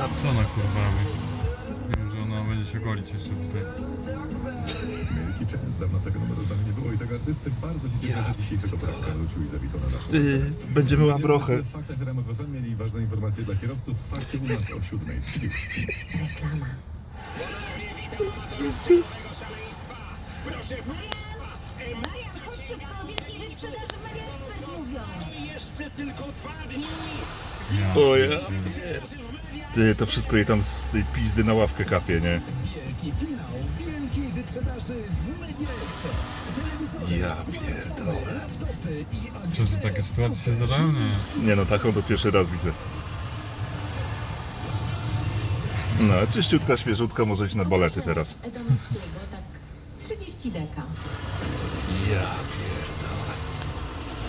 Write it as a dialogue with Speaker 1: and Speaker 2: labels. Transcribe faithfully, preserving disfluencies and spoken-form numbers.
Speaker 1: Ja...
Speaker 2: Co ona kurwa robi? Wiem, że ona będzie się golić jeszcze tutaj.
Speaker 3: Wielki częst, dawno tego numeru tam nie było i tego artysty bardzo się cieszę,
Speaker 1: Ja
Speaker 3: że dzisiejszego poranka wrócił i zawitał na naszą
Speaker 1: Ty, będziemy łabrochę.
Speaker 3: W faktach R M F F M mieli ważne informacje dla kierowców. Fakty u nas o siódmej trzydzieści.
Speaker 4: Marian, chodź szybko, wielkiej wyprzedaży w Media Expert mówią.
Speaker 5: Jeszcze tylko dwa dni!
Speaker 2: Ja,
Speaker 1: O ja
Speaker 2: pierdzielę.
Speaker 1: pier... Ty, to wszystko jej tam z tej pizdy na ławkę kapie, nie?
Speaker 5: Wielki finał wielkiej wyprzedaży w Media Expert. Telewizory,
Speaker 1: Ja pierdolę.
Speaker 5: laptopy i
Speaker 2: Często takie sytuacje się zdarzają? Nie.
Speaker 1: Nie no, taką to pierwszy raz widzę. No, czyściutka, świeżutka, może iść na balety teraz.
Speaker 4: Edomowskiego, tak trzydzieści deka.
Speaker 1: Ja pierdolę.